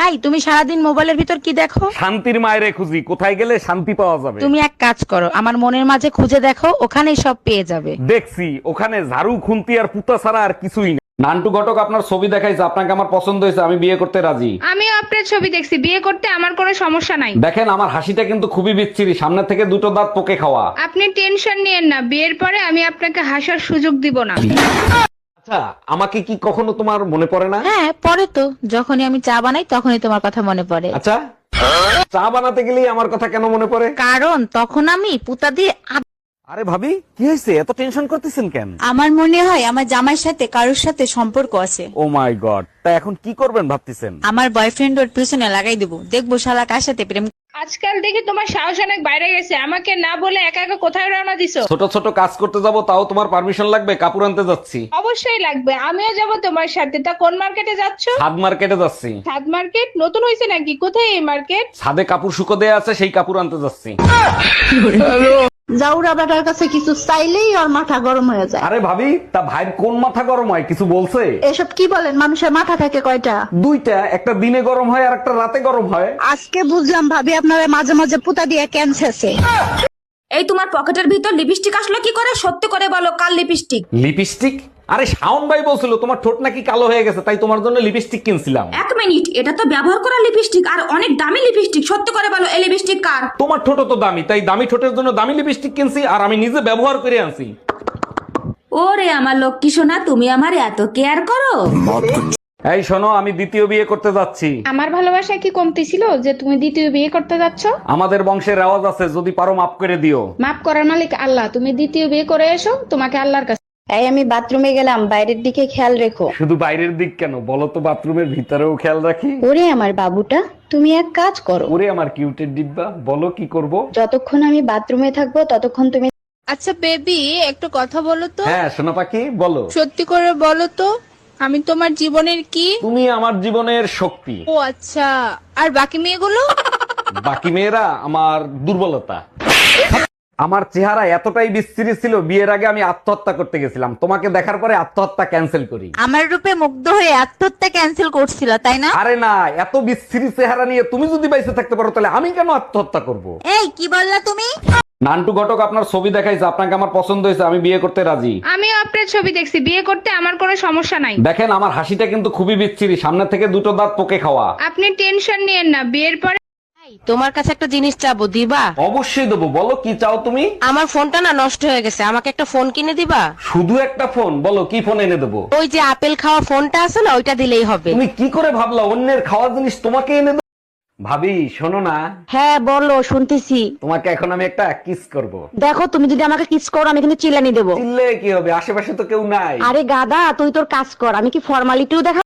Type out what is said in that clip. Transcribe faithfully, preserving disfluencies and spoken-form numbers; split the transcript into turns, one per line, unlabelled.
এই তুমি সারাদিন মোবাইলের ভিতর কি দেখো?
শান্তির মায়েরে খুঁজি, কোথায় গেলে শান্তি পাওয়া যাবে।
তুমি এক কাজ করো, আমার মনের মাঝে খুঁজে দেখো, ওখানেই সব পেয়ে যাবে।
দেখছি ওখানে ঝাড়ু খুন্তি আর পুতা ছাড়া আর কিছুই না। নান্টু ঘটক আপনার ছবি দেখাইছে, আপনাকে আমার পছন্দ হয়েছে, আমি বিয়ে করতে রাজি।
আমিও আপনার ছবি দেখছি, বিয়ে করতে আমার কোনো সমস্যা নাই।
দেখেন আমার হাসিটা কিন্তু খুবই বিচ্ছিরি, সামনে থেকে দুটো দাঁত পোকে খাওয়া।
আপনি টেনশন নিয়েন না, বিয়ের পরে আমি আপনাকে হাসার সুযোগ দিব না।
আচ্ছা, আমাকে কি কখনো তোমার মনে পড়ে না?
হ্যাঁ পরে তো, যখনই আমি চা বানাই তখনই তোমার কথা মনে পড়ে।
আচ্ছা, চা বানাতে গেলেই আমার কথা কেন মনে পড়ে?
কারণ তখন আমি পুতা দিয়ে আব-
আরে ভাবি, কি হয়েছে, এত টেনশন করতেছেন কেন?
আমার মনে হয় আমার জামাইয়ের সাথে কারোর সাথে সম্পর্ক আছে।
ও মাই গড, তা এখন কি করবেন ভাবতেছেন?
আমার বয়ফ্রেন্ড ওর পিছনে লাগাই দেবো, দেখবো শালা কার সাথে প্রেম।
আজকাল দেখি তোমার সাহস অনেক বাইরে গেছে, আমাকে না বলে একা একা কোথায় রওনা দিছো?
ছোট ছোট কাজ করতে যাব, তাও তোমার পারমিশন লাগবে? কাপড় আনতে যাচ্ছি।
অবশ্যই লাগবে, আমিও যাব তোমার সাথে। তা কোন মার্কেটে যাচ্ছ?
ছাদ মার্কেটে যাচ্ছি।
ছাদ মার্কেট নতুন হয়েছে নাকি? কোথায় এই মার্কেট?
ছাদে কাপড় শুকো দেয়া আছে, সেই কাপড় আনতে যাচ্ছি।
জাউরা বেটার কাছে কিছু চাইলেই ওর মাথা গরম হয়ে যায়।
আরে ভাবি, তা ভাই কোন মাথা গরম হয়, কিছু বলছে?
এসব কি বলেন, মানুষের মাথা থাকে কয়টা?
দুইটা, একটা দিনে গরম হয় আর একটা রাতে গরম হয়।
আজকে বুঝলাম ভাবি আপনারা মাঝে মাঝে পুতা দিয়ে ক্যান্সারছে।
এই তোমার পকেটের ভিতর লিপস্টিক আসলো কি করে? সত্যি করে বলো, কাল লিপস্টিক?
লিপস্টিক? আরে শাওন ভাই বলছিল তোমার ঠোঁট নাকি কালো হয়ে গেছে, তাই তোমার জন্য লিপস্টিক কিনছিলাম।
এক মিনিট, এটা তো ব্যবহার করা লিপস্টিক আর অনেক দামি লিপস্টিক। সত্যি করে বলো, এই লিপস্টিক কার?
তোমার ঠোঁট তো দামি, তাই দামি ঠোঁটের জন্য দামি লিপস্টিক কিনছি, আর আমি নিজে ব্যবহার করে আনছি।
ওরে আমার লক্ষ্মী সোনা, তুমি আমার এত কেয়ার করো।
এই শোনো, আমি দ্বিতীয় বিয়ে করতে যাচ্ছি।
আমার ভালোবাসা কি কমতি ছিল যে তুমি দ্বিতীয় বিয়ে করতে যাচ্ছ?
আমাদের বংশের রেওয়াজ আছে, যদি পারো মাফ করে দিও।
মাফ করার মালিক আল্লাহ, তুমি দ্বিতীয় বিয়ে করে এসো, তোমাকে আল্লাহর কাছে।
এই আমি বাথরুমে গেলাম, বাইরের দিকে খেয়াল রেখো।
শুধু বাইরের দিক কেন, বলো তো বাথরুমের ভিতরেও খেয়াল রাখি।
ওরে আমার বাবুটা, তুমি এক কাজ করো,
ওরে আমার কিউটের ডিব্বা, বলো কি করব?
যতক্ষণ আমি বাথরুমে থাকবো ততক্ষণ তুমি
আচ্ছা বেবি, একটু কথা বলো তো।
হ্যাঁ সোনা পাখি, বলো।
সত্যি করে বলো তো, আমি তোমার জীবনের কি?
তুমি আমার জীবনের শক্তি।
ও আচ্ছা, আর বাকি মেয়েগুলো?
বাকি মেয়েরা আমার দুর্বলতা। আমার চেহারা এতটাই বিস্তৃতি ছিল, বিয়ের আগে আমি আত্মহত্যা করতে গেছিলাম, তোমাকে দেখার পরে আত্মহত্যা ক্যান্সেল করি।
আমার রূপে মুগ্ধ হয়ে আত্মহত্যা ক্যান্সেল করছিল, তাই না?
আরে না, এত বিস্তৃতি চেহারা নিয়ে তুমি যদি বাইসে থাকতে পারো, তাহলে আমি কেন আত্মহত্যা করব?
এই কি বললা তুমি?
নান্টু ঘটক আপনার ছবি দেখাইছে, আপনাকে আমার পছন্দ হয়েছে, আমি বিয়ে করতে রাজি।
আমিও আপনার ছবি দেখছি, বিয়ে করতে আমার কোনো সমস্যা নাই।
দেখেন আমার হাসিটা কিন্তু খুবই বিচ্ছিরি, সামনে থেকে দুটো দাঁত পোকে খাওয়া।
আপনি টেনশন নিয়েন না, বিয়ের পরে
এই, তোমার কাছে একটা জিনিস চাবো, দিবা?
অবশ্যই দেবো, বলো কি চাও তুমি?
আমার ফোনটা না নষ্ট হয়ে গেছে, আমাকে একটা ফোন কিনে দিবা?
শুধু একটা ফোন? বলো কি ফোন এনে দেবো।
ওই যে আপেল খাওয়া ফোনটা আছে না, ওইটা দিলেই হবে।
তুমি কি করে ভাবলা অন্যের খাওয়া জিনিস তোমাকে এনে দেবো? ভাবি শোনো না,
হ্যাঁ বলো, শুনতেছি।
তোমাকে এখন আমি একটা কিস করব।
দেখো তুমি যদি আমাকে কিস করো আমি কিন্তু চিল্লানি দেবো।
চিল্লে কি হবে, আশেপাশে তো কেউ নাই।
আরে গাদা, তুই তোর কাজ কর, আমি কি ফর্মালিটিও দেখা